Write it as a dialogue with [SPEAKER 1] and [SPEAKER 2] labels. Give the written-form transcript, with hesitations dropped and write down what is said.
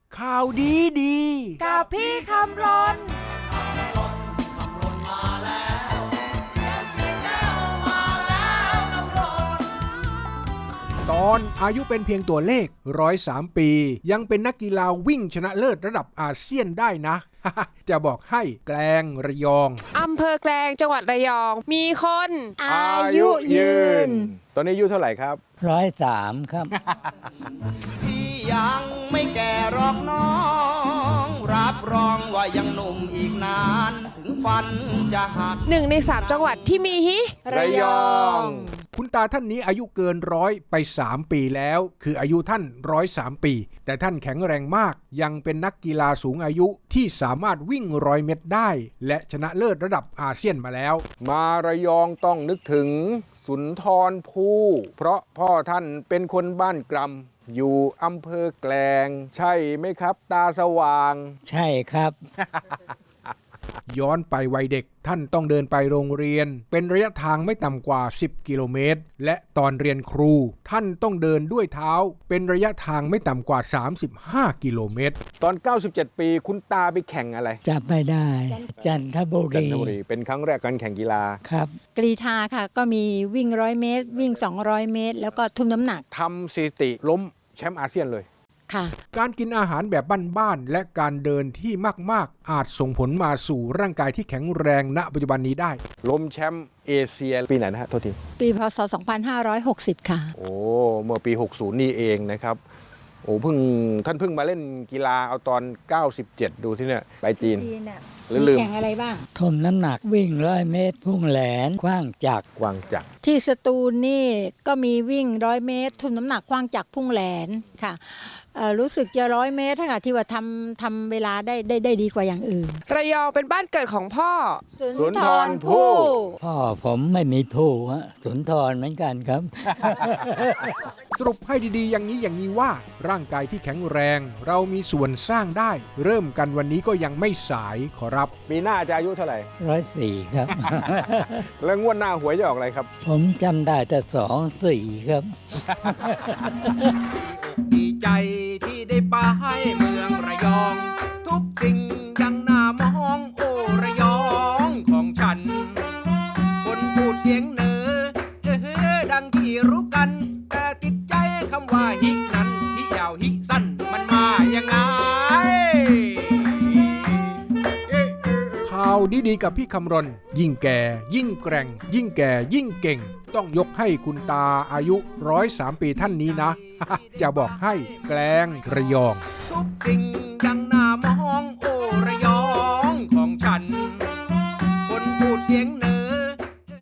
[SPEAKER 1] ข่าวดีดี
[SPEAKER 2] กับพี่คำรน
[SPEAKER 1] ตอนอายุเป็นเพียงตัวเลข103 ปียังเป็นนักกีฬาวิ่งชนะเลิศระดับอาเซียนได้นะ จะบอกให้แกลงระยอง
[SPEAKER 2] อำเภอแกลงจังหวัดระยองมีคน
[SPEAKER 3] อายุยืนตอนนี้อายุเท่าไหร่ครับ
[SPEAKER 4] 103 ครับ
[SPEAKER 5] พี่ยังไม่แก่หรอกน้องรับรองว่ายังหนุ่มอีกนานถึงฟันจะหัก
[SPEAKER 2] 1 ใน 3 จังหวัดที่มี
[SPEAKER 3] ระยอง
[SPEAKER 1] คุณตาท่านนี้อายุเกิน100ไป3 ปีแล้วคืออายุท่าน103 ปีแต่ท่านแข็งแรงมากยังเป็นนักกีฬาสูงอายุที่สามารถวิ่ง100 เมตรได้และชนะเลิศระดับอาเซียนมาแล้ว
[SPEAKER 3] มาระยองต้องนึกถึงสุนทรภู่เพราะพ่อท่านเป็นคนบ้านกรำอยู่อำเภอแกลงใช่ไหมครับตาสว่าง
[SPEAKER 4] ใช่ครับ
[SPEAKER 1] ย้อนไปวัยเด็กท่านต้องเดินไปโรงเรียนเป็นระยะทางไม่ต่ำกว่า10 กิโลเมตรและตอนเรียนครูท่านต้องเดินด้วยเท้าเป็นระยะทางไม่ต่ำกว่า35 กิโลเมตร
[SPEAKER 3] ตอน97 ปีคุณตาไปแข่งอะไร
[SPEAKER 4] จับไม่ได้จันทบุรี
[SPEAKER 3] เป็นครั้งแรกการแข่งกีฬา
[SPEAKER 4] ครับ
[SPEAKER 6] กรีฑาค่ะก็มีวิ่ง100 เมตรวิ่ง200 เมตรแล้วก็ทุ่มน้ำหนัก
[SPEAKER 3] ทำสถิติล้มแชมป์อาเซียนเลย
[SPEAKER 1] การกินอาหารแบบบ้านๆและการเดินที่มากๆอาจส่งผลมาสู่ร่างกายที่แข็งแรงณปัจจุบันนี้ได้
[SPEAKER 3] ล้มแชมป์เอเชียปีไหนนะฮะโทษที
[SPEAKER 6] ปีพศ2560ค่ะ
[SPEAKER 3] โอ้เมื่อปี60นี่เองนะครับโอ้ท่านเพิ่งมาเล่นกีฬาเอาตอน97ดูที่เนี่ยไปจีน
[SPEAKER 6] ลืมแข่งอะไรบ้าง
[SPEAKER 4] ทุ่มน้ำหนักวิ่ง100 เมตรพุ่งแหลนขว้างจักร
[SPEAKER 6] ที่สตูลนี่ก็มีวิ่ง100 เมตรทุ่มน้ำหนักขว้างจักรพุ่งแหลนค่ะรู้สึกจะ100 เมตรค่ะที่ว่าทำเวลาได้ดีกว่าอย่างอื่น
[SPEAKER 2] ระยองเป็นบ้านเกิดของพ่อ
[SPEAKER 6] สุนทรภู่
[SPEAKER 4] พ่อผมไม่มีภู่สุนทรเหมือนกันครับ
[SPEAKER 1] สรุปให้ดีๆอย่างนี้ว่าร่างกายที่แข็งแรงเรามีส่วนสร้างได้เริ่มกันวันนี้ก็ยังไม่สายขอรับ
[SPEAKER 3] ปีหน้าจะอายุเท่าไหร่
[SPEAKER 4] 104 ครับ
[SPEAKER 3] แล้วงวดหน้าหวยจะออกอะไรครับ
[SPEAKER 4] ผมจำได้แต่24 ครับ
[SPEAKER 5] ดีใจที่ได้ไปเมืองระยองทุกสิ่งยังน่ามองโอ้ระยองของฉันคนพูดเสียงเหนือดังที่รู้กันแต่ติดใจคำว่าฮินั้นฮิยาวฮิสั้นมันมายังไง
[SPEAKER 1] ข่าวดีๆกับพี่คำรณยิ่งแก่ยิ่งแกร่งยิ่งแก่ยิ่งเก่งต้องยกให้คุณตาอายุ103 ปีท่านนี้นะ จะบอกให้แกลงระยอง
[SPEAKER 5] ทุกสิ่ง